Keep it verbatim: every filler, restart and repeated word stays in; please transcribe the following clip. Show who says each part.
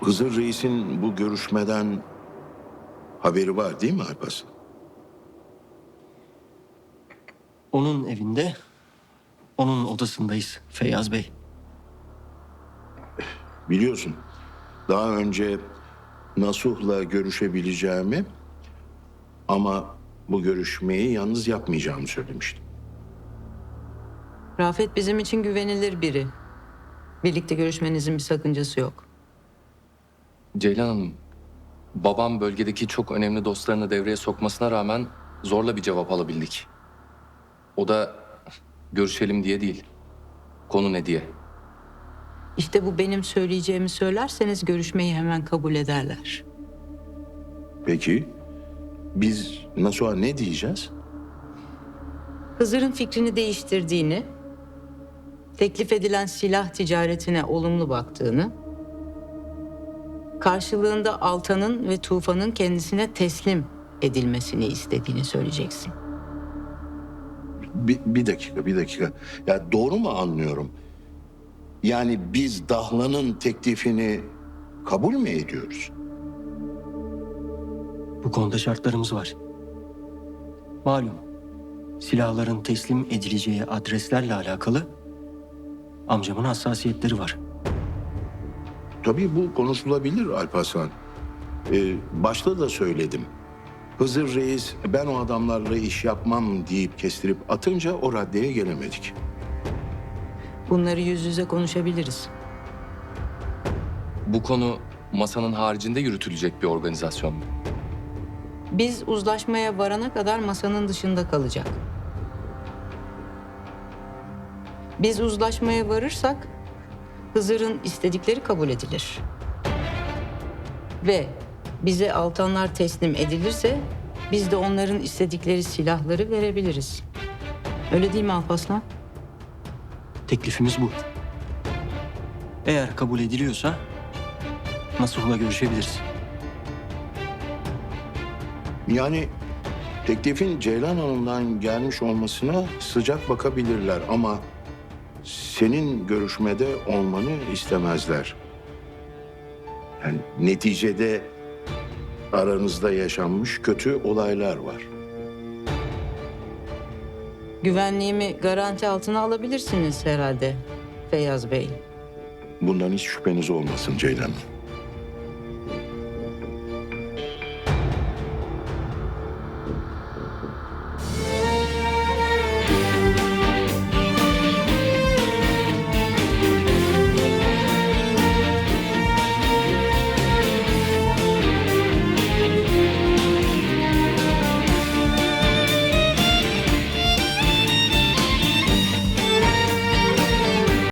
Speaker 1: Hızır Reis'in bu görüşmeden haberi var değil mi Alparslan?
Speaker 2: Onun evinde, onun odasındayız Feyyaz Bey.
Speaker 1: Biliyorsun, daha önce Nasuh'la görüşebileceğimi ama bu görüşmeyi yalnız yapmayacağımı söylemiştim.
Speaker 3: Rafet bizim için güvenilir biri. Birlikte görüşmenizin bir sakıncası yok.
Speaker 4: Ceylan Hanım, babam bölgedeki çok önemli dostlarını devreye sokmasına rağmen zorla bir cevap alabildik. O da görüşelim diye değil, konu ne diye.
Speaker 3: İşte bu benim söyleyeceğimi söylerseniz görüşmeyi hemen kabul ederler.
Speaker 1: Peki, biz Nasuh'a ne diyeceğiz?
Speaker 3: Hızır'ın fikrini değiştirdiğini, teklif edilen silah ticaretine olumlu baktığını, karşılığında Altan'ın ve Tufan'ın kendisine teslim edilmesini istediğini söyleyeceksin.
Speaker 1: Bir, bir dakika, bir dakika. Ya doğru mu anlıyorum? Yani biz Dahlan'ın teklifini kabul mü ediyoruz?
Speaker 2: Bu konuda şartlarımız var. Malum, silahların teslim edileceği adreslerle alakalı amcamın hassasiyetleri var.
Speaker 1: Tabii bu konuşulabilir Alparslan. Ee, başta da söyledim. Hızır Reis ben o adamlarla iş yapmam deyip kestirip atınca o raddeye gelemedik.
Speaker 3: Bunları yüz yüze konuşabiliriz.
Speaker 4: Bu konu masanın haricinde yürütülecek bir organizasyon mu?
Speaker 3: Biz uzlaşmaya varana kadar masanın dışında kalacak. Biz uzlaşmaya varırsak Hızır'ın istedikleri kabul edilir. Ve bize Altanlar teslim edilirse biz de onların istedikleri silahları verebiliriz. Öyle değil mi Alparslan?
Speaker 2: Teklifimiz bu. Eğer kabul ediliyorsa Nasuh'la görüşebiliriz.
Speaker 1: Yani teklifin Ceylan Hanım'dan gelmiş olmasına sıcak bakabilirler ama senin görüşmede olmanı istemezler. Yani neticede aranızda yaşanmış kötü olaylar var.
Speaker 3: Güvenliğimi garanti altına alabilirsiniz herhalde Feyyaz Bey.
Speaker 1: Bundan hiç şüpheniz olmasın Ceylan Hanım.